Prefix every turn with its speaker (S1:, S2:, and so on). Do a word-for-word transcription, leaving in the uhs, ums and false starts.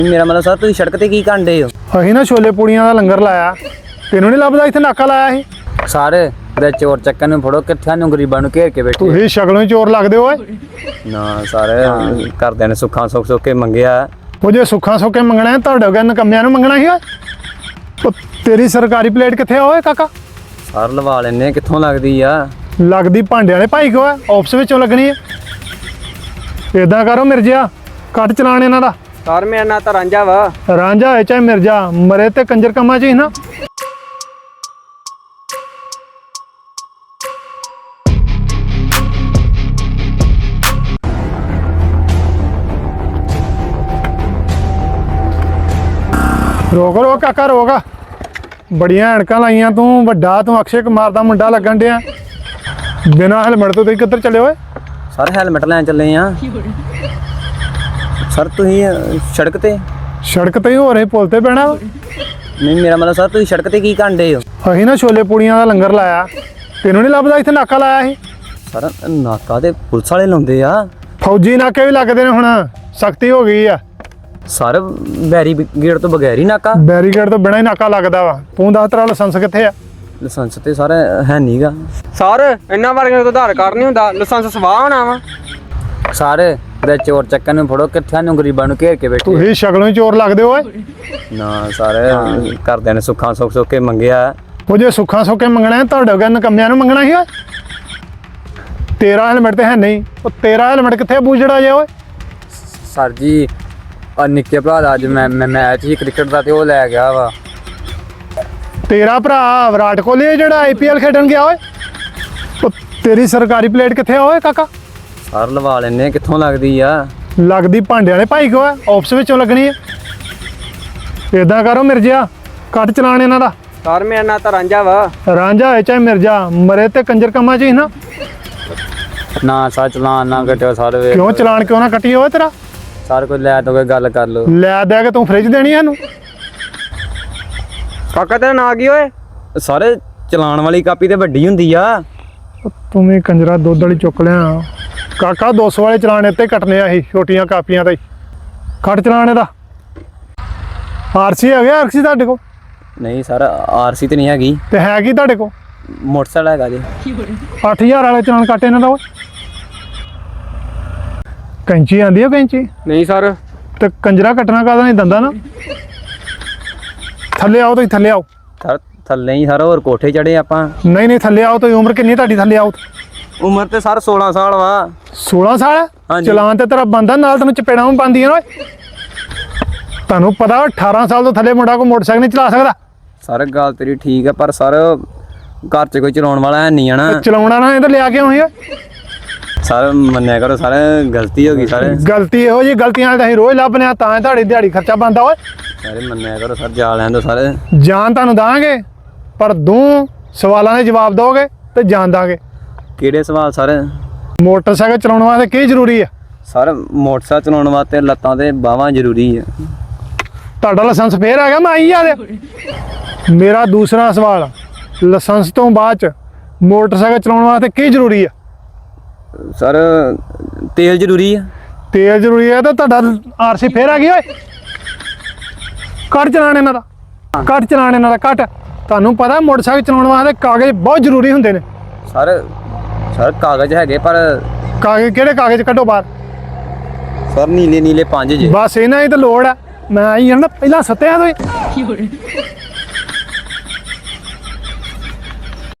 S1: ਮੇਰਾ ਮਤਲਬ ਸਰ ਤੁਸੀਂ ਸੜਕ ਤੇ ਕੀ ਕਾਂਡੇ ਹੋ?
S2: ਅਸੀਂ ਨਾ ਛੋਲੇ ਪੂੜੀਆਂ ਦਾ ਲੰਗਰ ਲਾਇਆ, ਤੈਨੂੰ ਨਹੀਂ ਲੱਭਦਾ ਇੱਥੇ ਨਾਕਾ ਲਾਇਆ ਸੀ?
S1: ਸਾਰੇ ਤੇ ਚੋਰ ਚੱਕਣ ਨੂੰ ਫੜੋ, ਕਿੱਥੇ ਨੂੰ ਗਰੀਬਾਂ ਨੂੰ ਘੇਰ ਕੇ ਬੈਠੇ।
S2: ਤੁਸੀਂ ਸ਼ਕਲੋਂ ਹੀ ਚੋਰ ਲੱਗਦੇ ਓਏ।
S1: ਨਾ ਸਾਰੇ ਘਰਦਿਆਂ ਨੇ ਸੁੱਖਾਂ ਸੁੱਖ ਸੁੱਖ ਕੇ ਮੰਗਿਆ।
S2: ਉਹ ਜੇ ਸੁੱਖਾਂ ਸੁੱਕੇ ਮੰਗਣਾ ਹੈ ਤੁਹਾਡੇ ਵਰਗੇ ਨਕੰਮਿਆਂ ਨੂੰ ਮੰਗਣਾ ਸੀ ਓਏ। ਉਹ ਤੇਰੀ ਸਰਕਾਰੀ ਪਲੇਟ ਕਿੱਥੇ ਆ ਓਏ ਕਾਕਾ?
S1: ਸਰ ਲਵਾ ਲੈਨੇ, ਕਿੱਥੋਂ ਲੱਗਦੀ ਆ?
S2: ਲੱਗਦੀ ਭਾਂਡੇ ਵਾਲੇ ਭਾਈ ਕੋ ਹੈ, ਆਫਿਸ ਵਿੱਚੋਂ ਲੱਗਣੀ ਹੈ। ਏਦਾਂ ਕਰੋ ਮਿਰਜਾ, ਕੱਟ ਚਲਾਣ ਇਹਨਾਂ ਦਾ।
S3: ਸਰ ਮੇਰਾ ਨਾਂ ਤਾਂ ਰਾਂਝਾ ਵਾ।
S2: ਰਾਂਝਾ ਹੈ ਚਾਹੇ ਮਿਰਜਾ, ਮਰੇ ਤੇ ਕੰਜਰ ਕੰਮਾਂ ਚ ਹੀ ਨਾ। ਰੋਕ ਰੋਕ ਕਾਕਾ ਰੋਕ, ਬੜੀਆਂ ਐਨਕਾਂ ਲਾਈਆਂ ਤੂੰ, ਵੱਡਾ ਤੂੰ ਅਕਸ਼ੇ ਕੁਮਾਰ ਦਾ ਮੁੰਡਾ ਲੱਗਣ ਡਿਆ। ਬਿਨਾਂ ਹੈਲਮਟ ਤੋਂ ਤੁਸੀਂ ਕਿੱਧਰ ਚੱਲੇ ਓਏ?
S1: ਸਰ ਹੈਲਮਟ ਲੈਣ ਚੱਲੇ ਆ। ਸਰ ਤੁਸੀਂ ਅਹ, ਸੜਕ ਤੇ?
S2: ਸੜਕ ਤੇ ਹੀ ਹੋ ਰਹੇ, ਪੁਲ ਤੇ ਪੈਣਾ ਵਾ।
S1: ਨਹੀਂ ਮੇਰਾ ਮਤਲਬ ਸਰ ਤੁਸੀਂ ਸੜਕ ਤੇ ਕੀ ਕਾਂਡੇ ਹੋ?
S2: ਅਸੀਂ ਨਾ ਛੋਲੇ ਪੂੜੀਆਂ ਦਾ ਲੰਗਰ ਲਾਇਆ, ਤੈਨੂੰ ਨਹੀਂ ਲੱਭਦਾ ਇੱਥੇ ਨਾਕਾ ਲਾਇਆ ਸੀ?
S1: ਸਰ ਨਾਕਾ ਤੇ ਪੁਲਿਸ ਵਾਲੇ ਲਾਉਂਦੇ ਆ।
S2: ਫੌਜੀ ਨਾਕੇ ਵੀ ਲੱਗਦੇ ਨੇ ਹੁਣ, ਸਖਤੀ ਹੋ ਗਈ ਆ।
S1: ਸਰ ਬੈਰੀ ਗੇਟ ਤੋਂ ਬਗੈਰ ਹੀ ਨਾਕਾ?
S2: ਬੈਰੀਕੇਡ ਤੋਂ ਬਿਨਾਂ ਹੀ ਨਾਕਾ ਲੱਗਦਾ ਵਾ। ਤੂੰ ਦੱਸ ਤੇਰਾ ਲਾਇਸੈਂਸ ਕਿੱਥੇ ਆ?
S1: ਲਾਇਸੈਂਸ ਤੇ ਸਰ ਹੈ ਨਹੀਂਗਾ।
S3: ਸਰ ਇਹਨਾਂ ਵਰਗਿਆਂ ਕੋਲ ਆਧਾਰ ਕਾਰਡ ਨਹੀਂ ਹੁੰਦਾ, ਲਾਇਸੈਂਸ ਸਵਾਹ ਹੋਣਾ ਵਾ।
S1: ਸਾਰੇ ਤੇ ਚੋਰ ਚੱਕਣ ਨੂੰ ਫੜੋ, ਕਿੱਥੇ ਨੂੰ ਗਰੀਬਾਂ ਨੂੰ ਘੇਰ ਕੇ ਬੈਠੇ।
S2: ਤੁਸੀਂ ਸ਼ਕਲੋਂ ਹੀ ਚੋਰ ਲੱਗਦੇ ਓਏ।
S1: ਨਾ ਸਾਰੇ ਘਰਦਿਆਂ ਨੇ ਸੁੱਖਾਂ ਸੁੱਖ ਸੁੱਖ ਕੇ ਮੰਗਿਆ।
S2: ਉਹ ਜੇ ਸੁੱਖਾਂ ਸੁੱਕੇ ਮੰਗਣਾ ਹੈ ਤੁਹਾਡੇ ਵਰਗੇ ਨਕੰਮਿਆਂ ਨੂੰ ਮੰਗਣਾ ਸੀ ਓਏ। ਤੇਰਾ ਹੈਲਮਟ ਤੇ ਹੈ ਨਹੀਂ, ਉਹ ਤੇਰਾ ਹੈਲਮਟ ਕਿੱਥੇ ਬੂਝੜਾ ਜੇ ਓਏ?
S1: ਸਰ ਜੀ ਆ ਨਿੱਕੇ ਭਰਾ ਦਾ ਅੱਜ ਮੈਂ ਮੈਚ ਹੀ ਕ੍ਰਿਕਟ ਦਾ ਤੇ ਉਹ ਲੈ ਗਿਆ ਵਾ।
S2: ਤੇਰਾ ਭਰਾ ਵਿਰਾਟ ਕੋਹਲੀ ਹੈ ਜਿਹੜਾ ਆਈ ਪੀ ਐਲ ਖੇਡਣ ਗਿਆ ਓਏ। ਉਹ ਤੇਰੀ ਸਰਕਾਰੀ ਪਲੇਟ ਕਿੱਥੇ ਆ ਓਏ ਕਾਕਾ?
S1: ਸਰ ਲਵਾ ਲੈਨੇ, ਕਿੱਥੋਂ ਲੱਗਦੀ ਆ?
S2: ਲੱਗਦੀ ਭਾਂਡੇ ਵਾਲੇ ਭਾਈ ਕੋ ਹੈ, ਆਫਿਸ ਵਿੱਚੋਂ ਲੱਗਣੀ ਹੈ। ਏਦਾਂ ਕਰੋ ਮਿਰਜਾ, ਕੱਟ ਚਲਾਣ ਇਹਨਾਂ ਦਾ।
S3: ਸਰ ਮੇਰਾ ਨਾਂ ਤਾਂ ਰਾਂਝਾ ਵਾ।
S2: ਰਾਂਝਾ ਹੈ ਚਾਹੇ ਮਿਰਜਾ, ਮਰੇ ਤੇ ਕੰਜਰ ਕੰਮਾਂ ਚ ਹੀ ਨਾ।
S1: ਨਾ ਸਰ ਚਲਾਨ ਨਾ ਕੱਟਿਓ ਸਰ। ਵੇ
S2: ਕਿਉਂ ਚਲਾਣ ਕਿਉਂ ਨਾ ਕੱਟੀ ਓਏ ਤੇਰਾ?
S1: ਸਰ ਕੋਈ ਲੈ ਦੋ, ਕੋਈ ਗੱਲ ਕਰ ਲਓ।
S2: ਲੈ ਦੇ ਕੇ ਤੂੰ ਫ੍ਰਿਜ ਦੇਣੀ ਸਾਨੂੰ?
S3: ਕਾਕਾ ਤੇਰਾ ਨਾਂ ਕੀ ਓਏ?
S1: ਸਾਰੇ ਚਲਾਨ ਵਾਲੀ ਕਾਪੀ ਤੇ ਵੱਡੀ ਹੁੰਦੀ ਆ।
S2: ਤੂੰ ਵੀ ਕੰਜਰਾ ਦੁੱਧ ਵਾਲੀ ਚੁੱਕ ਲਿਆ ਕਾਕਾ। ਦੋ ਸੌ ਵਾਲੇ ਚਲਾਣ ਇੱਥੇ ਕੱਟਨੇ ਆ ਅਸੀਂ, ਛੋਟੀਆਂ ਕਾਪੀਆਂ ਤੇ। ਕੱਟ ਚਲਾਣ ਇਹਦਾ। ਆਰਸੀ ਹੈਗੇ? ਆਰਸੀ ਤੁਹਾਡੇ ਕੋਲ?
S1: ਨਹੀਂ ਸਰ ਆਰਸੀ ਤੇ ਨਹੀਂ ਹੈਗੀ।
S2: ਤੇ ਹੈ ਕੀ ਤੁਹਾਡੇ ਕੋਲ?
S1: ਮੋਟਰਸਾਈਕਲ ਹੈਗਾ ਜੀ।
S2: ਅੱਠ ਹਜ਼ਾਰ ਵਾਲੇ ਚਲਾਣ ਕੱਟ ਇਹਨਾਂ ਦਾ ਓਏ। ਕੈਂਚੀ ਆਂਦੀ ਆ? ਕੈਂਚੀ
S3: ਨਹੀਂ ਸਰ।
S2: ਤੇ ਕੰਜਰਾ ਕੱਟਣਾ ਕਾਹਦਾ ਨਹੀਂ ਦੰਦਾ ਨਾ। ਥੱਲੇ ਆਓ ਤੁਸੀਂ, ਥੱਲੇ ਆਓ।
S1: ਸਰ ਥੱਲੇ ਹੀ ਸਰ, ਹੋਰ ਕੋਠੇ ਚੜੇ ਆਪਾਂ।
S2: ਨਹੀਂ ਨਹੀਂ ਥੱਲੇ ਆਓ ਤੁਸੀਂ। ਉਮਰ ਕਿੰਨੀ ਤੁਹਾਡੀ? ਥੱਲੇ ਆਓ।
S1: ਉਮਰ ਤੇ ਸਰ ਸੋਲਾਂ ਸਾਲ ਵਾ।
S2: ਸੋਲਾਂ ਸਾਲ?
S1: ਹਾਂਜੀ।
S2: ਚਲਾਨ ਤੇ ਤੇਰਾ ਬੰਦਾ, ਨਾਲ ਤੈਨੂੰ ਚਪੇੜਾਂ ਵੀ ਪਾਉਂਦੀਆਂ ਓਏ। ਤੁਹਾਨੂੰ ਪਤਾ ਅਠਾਰਾਂ ਸਾਲ ਤੋਂ ਥੱਲੇ ਮੁੰਡਾ ਕੋਈ ਮੋਟਰਸਾਈਕਲ ਨਹੀਂ ਚਲਾ ਸਕਦਾ।
S1: ਸਰ ਗੱਲ ਤੇਰੀ ਠੀਕ ਹੈ, ਪਰ ਸਰ ਘਰ 'ਚ ਕੋਈ ਚਲਾਉਣ ਵਾਲਾ ਹੈ ਨਹੀਂ ਆਣਾ।
S2: ਚਲਾਉਣਾ ਨਾ ਇਹ ਤਾਂ ਲਿਆ ਕੇ ਆਉਣੀ ਆ।
S1: ਸਰ ਮੰਨਿਆ ਕਰੋ ਸਰ, ਗਲਤੀ ਹੋ ਗਈ ਸਰ।
S2: ਗਲਤੀ ਇਹੋ ਜੀ ਗਲਤੀਆਂ ਤਾਂ ਅਸੀਂ ਰੋਜ਼ ਲੱਭਨੇ ਆ, ਤਾਂ ਤੁਹਾਡੀ ਦਿਹਾੜੀ ਖਰਚਾ ਬਣਦਾ ਓਏ।
S1: ਸਾਰੇ ਮੰਨਿਆ ਕਰੋ ਸਰ, ਜਾ ਲੈਣ ਦੋ ਸਰ।
S2: ਜਾਨ ਤੁਹਾਨੂੰ ਦਾਂਗੇ, ਪਰ ਦੋ ਸਵਾਲਾਂ ਦੇ ਜਵਾਬ ਦੋਗੇ ਤੇ ਜਾਨ ਦਾਂਗੇ।
S1: ਕਿਹੜੇ ਸਵਾਲ ਸਰ?
S2: ਮੋਟਰਸਾਈਕਲ ਚਲਾਉਣ ਵਾਸਤੇ ਕੀ ਜ਼ਰੂਰੀ ਆ?
S1: ਸਰ ਮੋਟਰਸਾਈਕਲ ਚਲਾਉਣ ਵਾਸਤੇ ਲੱਤਾਂ ਤੇ ਬਾਹਾਂ ਜ਼ਰੂਰੀ ਆ।
S2: ਤੁਹਾਡਾ ਲਾਇਸੈਂਸ ਫੇਰ ਆ ਗਿਆ? ਮੈਂ ਆਈ ਆ ਦੇ। ਮੇਰਾ ਦੂਸਰਾ ਸਵਾਲ, ਲਾਇਸੈਂਸ ਤੋਂ ਬਾਅਦ ਚ ਮੋਟਰਸਾਈਕਲ ਚਲਾਉਣ ਵਾਸਤੇ ਕੀ ਜ਼ਰੂਰੀ ਆ?
S1: ਸਰ ਤੇਲ ਜ਼ਰੂਰੀ ਆ।
S2: ਤੇਲ ਜ਼ਰੂਰੀ ਆ ਤਾਂ ਤੁਹਾਡਾ ਆਰਸੀ ਫੇਰ ਆ ਗਈ ਓਏ। ਕੱਟ ਚਲਾਣ ਇਹਨਾਂ ਦਾ, ਕੱਟ ਚਲਾਣ ਇਹਨਾਂ ਦਾ, ਕੱਟ। ਤੁਹਾਨੂੰ ਪਤਾ ਮੋਟਰਸਾਈਕਲ ਚਲਾਉਣ ਵਾਸਤੇ ਕਾਗਜ਼ ਬਹੁਤ ਜ਼ਰੂਰੀ ਹੁੰਦੇ ਨੇ।
S1: ਸਰ ਸਰ ਕਾਗਜ਼ ਹੈਗੇ, ਪਰ
S2: ਕਾਗਜ਼ ਕਿਹੜੇ ਕਾਗਜ਼? ਕੱਢੋ ਬਾਹਰ।
S1: ਸਰ ਨੀਲੇ ਨੀਲੇ ਪੰਜ ਜੇ।
S2: ਬਸ ਇਹਨਾਂ ਹੀ ਤਾਂ ਲੋੜ ਆ। ਮੈਂ ਆਈ ਹਾਂ ਨਾ ਪਹਿਲਾਂ ਸੱਤਿਆ ਤੋਂ ਹੀ।